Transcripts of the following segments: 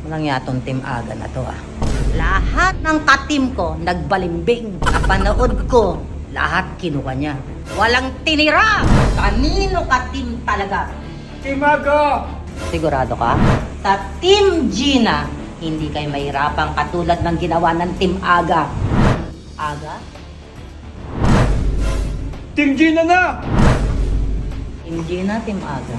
Walang yatong Team Aga na to ah. Lahat ng ka-team ko nagbalimbing. Napanood ko, lahat kinuha niya. Walang tinira! Kanino ka-team talaga? Team Aga! Sigurado ka? Sa Team Gina, hindi kayo mahirapang katulad ng ginawa ng Team Aga. Aga? Team Gina na! Team Gina, Team Aga.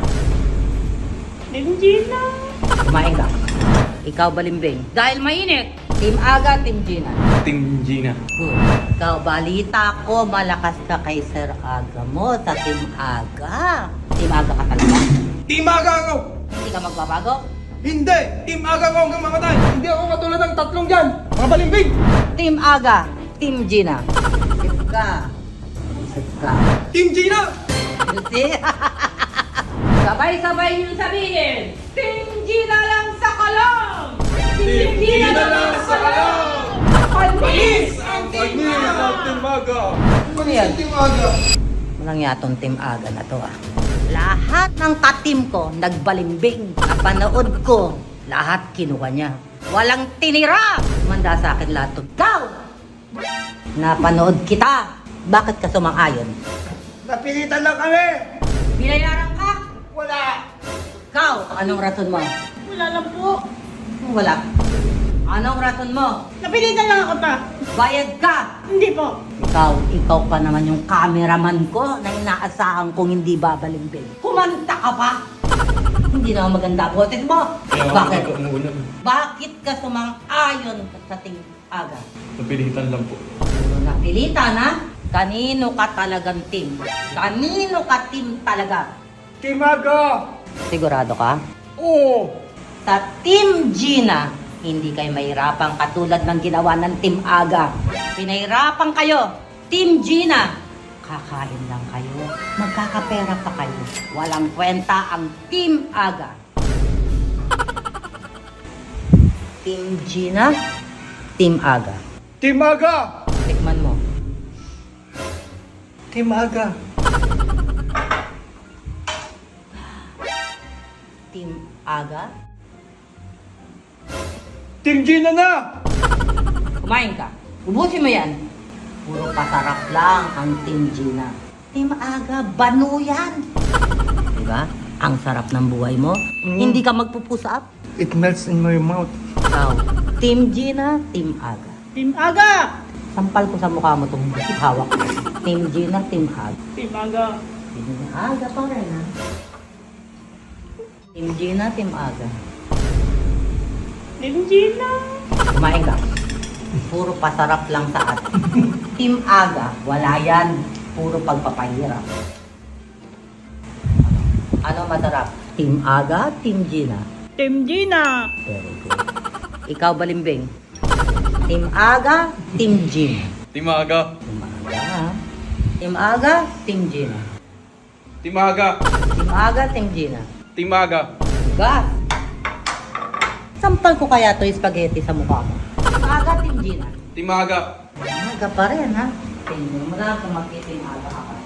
Team Gina. Kumain ka. Ikaw balimbing. Dahil mainit, Team Aga, Team Gina. Team Gina. Good. Ikaw, balita ko, malakas ka kay Sir Aga mo sa Team Aga. Team Aga ka talaga? Team Aga ako! Hindi ka magbabago? Hindi! Team Aga ako hanggang mamatay! Hindi ako katulad ng tatlong dyan! Mga balimbing! Team Aga, Team Gina. Isip ka. Isip ka. Team Gina! You see? Sabay-sabay yung sabihin, Team Gina lang sa kolong! Team Gina lang sa kalong! Panis! ang Team Aga! Ano yan? Team Aga! Walang yatong Team Aga na to ah. Lahat ng ka-team ko nagbalimbing. Napanood ko, lahat kinuha niya. Walang tinira! Manda sa akin lahat to. Ikaw! Napanood kita. Bakit ka sumang-ayon? Napilitan lang kami! Binayaran ka? Wala! Ikaw, anong rason mo? Wala lang po. Wala. Anong rason mo? Napilitan lang ako pa. Bayad ka! Hindi po. Ikaw pa naman yung cameraman ko na inaasahan kong hindi babalimbing. Kumanta ka pa! Hindi naman maganda ang boses mo. Bakit? Bakit ka sumang-ayon sa Team Aga? Napilitan lang po. Napilitan ha? Kanino ka talagang team? Kanino ka team talaga? Team Aga! Sigurado ka? Oo! Sa Team Gina, hindi kayo mahirapang katulad ng ginawa ng Team Aga. Pinahirapan kayo. Team Gina, kakain lang kayo. Magkakapera pa kayo. Walang kwenta ang Team Aga. Team Gina, Team Aga. Team Aga! Tikman mo. Team Aga! Team Aga? Team Gina na! Kumain ka. Ubusin mo yan. Puro pasarap lang ang Team Gina. Team Aga, banu yan. Diba? Ang sarap ng buhay mo. Hindi ka magpupusap. It melts in my mouth. Ikaw, Team Gina, Team Aga. Team Aga. Sampal ko sa mukha mo itong hawak. Team Gina, Team Aga. Team Aga. Team Aga pa rin ha. Team Gina, Team Aga. Team Gina. Kumain ka. Puro pasarap lang sa atin. Team Aga, wala yan. Puro pagpapahirap. Ano masarap? Team Aga, Team Gina. Team Gina. Very good. Ikaw balimbing. Team Aga, Team Gina. Team Aga! Team Aga, ha? Team Aga, Team Gina. Team Aga! Team Aga, Team Gina. Team Aga! Gas! Sampal ko kaya to yung spaghetti sa mukha mo. Team Aga, Team Gina. Team Aga! Aga pa rin, ha? Tingnan mo lang kung mag-Team Aga ka pa.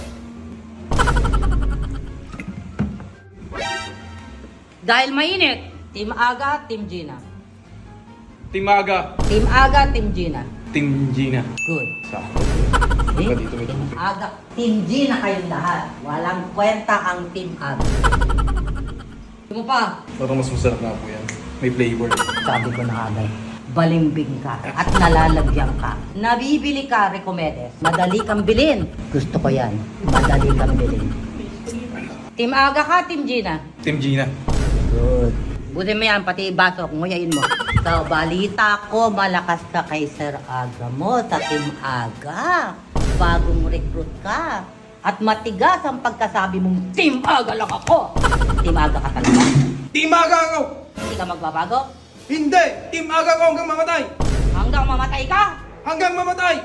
Dahil mainit, Team Aga, Team Gina. Team Aga! Team Aga, Team Gina. Team Gina. Good. Sakto. Eh, Dito, dito. Team Aga. Team Gina kayong lahat. Walang kwenta ang Team Aga. Mo pa. Parang mas masarap na po yan. May flavor. Sabi ko na agad, balimbing ka at nalalagyan ka. Nabibili ka, Recomedes. Madali kang bilhin. Gusto ko yan. Madali kang bilhin. Team Aga ka, Team Gina. Team Gina. Good. Butin mo yan, pati baso, nguyain mo. So, balita ko, malakas ka kay Sir Aga mo sa Team Aga. Bagong recruit ka. At matigas ang pagkasabi mong Team Aga lang ako. Team Aga ka talaga. Team Aga ako! Hindi ka magbabago. Hindi! Team Aga ako hanggang mamatay! Hanggang mamatay ka. Hanggang mamatay!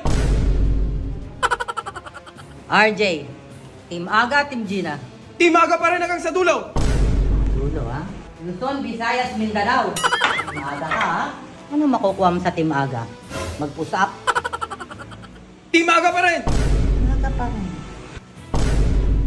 RJ, Team Aga, Team Gina. Team Aga pa rin hanggang sa dulo! Dulo, ha? Luzon, Visayas, Mindanao. Team Aga ka, ha? Ano makukuha mo sa Team Aga? Mag-push up? Team Aga pa rin! Aga pa rin.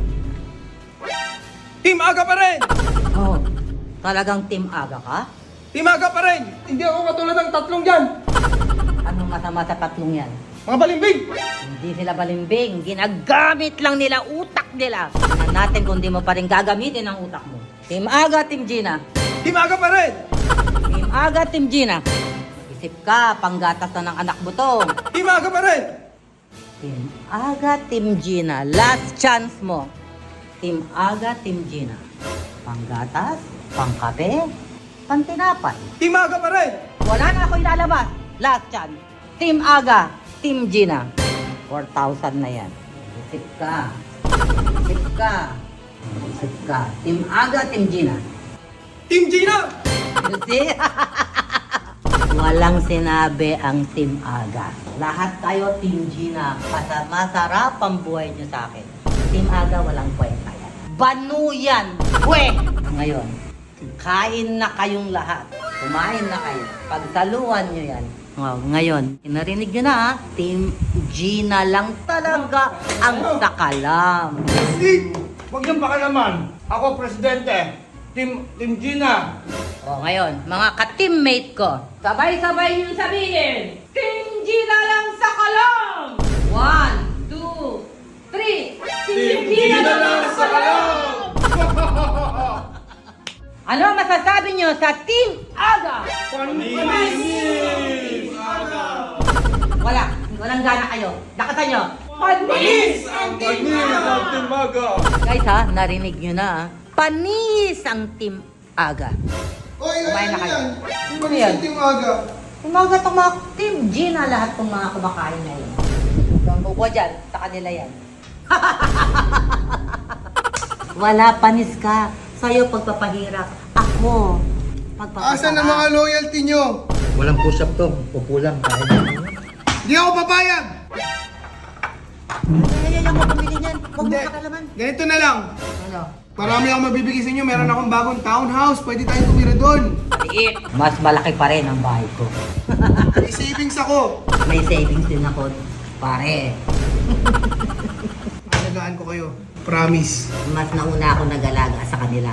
Team Aga pa rin! Oh, talagang Team Aga ka? Team Aga pa rin! Hindi ako katulad ng tatlong dyan! Anong masama sa tatlong yan? Mga balimbing! Hindi sila balimbing. Ginagamit lang nila utak nila. Tingnan natin kung di mo pa rin gagamitin ang utak mo. Team Aga, Team Gina. Team Aga pa rin! Team Aga, Team Gina. Isip ka, panggatas na ng anak mo to. Team Aga pa rin! Team Aga, Team Gina. Last chance mo. Team Aga, Team Gina. Panggatas, pangkape, pantinapay. Team Aga pa rin! Wala na ako ilalabas. Last chance. Team Aga, Team Gina. 4,000 na yan. Isip ka. Isip ka. Isip ka. Team Aga, Team Gina. Team Gina! You see? Walang sinabi ang Team Aga. Lahat tayo Team Gina. Masarap ang buhay niyo sa akin. Team Aga, walang kwenta yan. Banu yan! Pwe! Ngayon, kain na kayong lahat. Kumain na kayo. Pagsaluhan nyo yan. Oh, ngayon, narinig nyo na ha? Team Gina lang talaga ang sakalam. Steve! Huwag niyong pakialaman. Ako, presidente. Team Gina. O ngayon, mga ka-teammate ko, sabay-sabay nyo sabihin, Team Gina lang sa kalam! 1, 2, 3, Team Gina lang sa kalam! Ano masasabi nyo sa Team Aga? Panis! Walang gana kayo. Lakasan nyo. Panis! Panis ang Team Aga! Guys ha, narinig nyo na ha. Panis ang Team Aga. Oy, Kumain na kayo. Ano Ano yan? Team Aga? Yung mga itong mga Team Gina, lahat ng mga kumakain na yun. Yung buko dyan, sa kanila yan. Wala, panis ka. Sa'yo pagpapahirap. Ako, magpapasarap. Asan ang mga loyalty nyo? Walang push-up to. Upo lang. Kahit Hindi ako papayag! Ay, mo pamili niyan. Huwag mo Hindi. kakalaman. Ganito na lang. Ano? Marami akong mabibigay sa inyo. Meron akong bagong townhouse. Pwede tayong tumira doon. Liit. Mas malaki pa rin ang bahay ko. May savings ako. May savings din ako, pare. Alagaan ko kayo. Promise. Mas nauna ako nag-alaga sa kanila.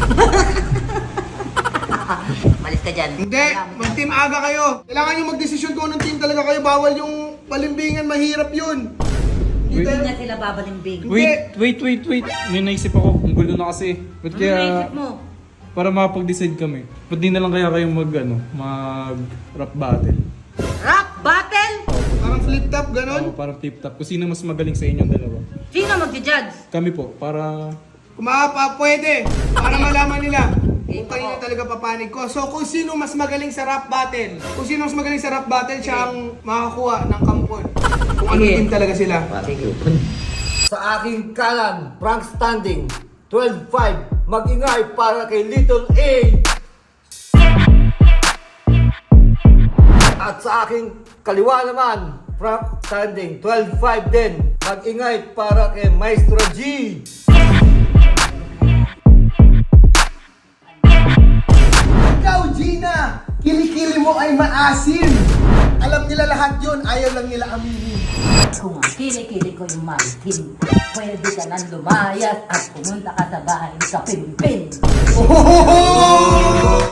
Malis ka dyan. Hindi. Mag-team Aga kayo. Kailangan nyo mag-desisyon kung anong team talaga kayo. Bawal yung palimbingan. Mahirap yun. Hindi tayo- na sila babalimbing. Wait. May naisip ako. Ang gulo na kasi. Ba't Ano kaya, naisip mo? para makapag-decide kami, ba't di na lang kaya kayo mag rap battle? Rap battle? Parang flip top, O, ganon. parang tip-top. Kung sino mas magaling sa inyong dalawa. Sino magja-judge? Kami po, para... Pwede. Para malaman nila. Game Kung kanina ako. talaga papanig ko. So kung sino mas magaling sa rap battle. Kung sino mas magaling sa rap battle, siya ang makakakuha ng kampon. Kung anong Sige. team talaga sila. Sige. sa aking kanan, Frank Standing, 12-5, mag-ingay para kay Little A. At sa aking kaliwa naman, Frank Standing, 12-5 din, mag-ingay para kay Maestro G. Ikaw, Gina! Kilikili mo ay maasim! Alam nila lahat yun, ayaw lang nila aminin. Kung ang kilikili ko yung maritim, pwede ka nang lumayas at pumunta ka sa bahay ni Kapimpin. Oh!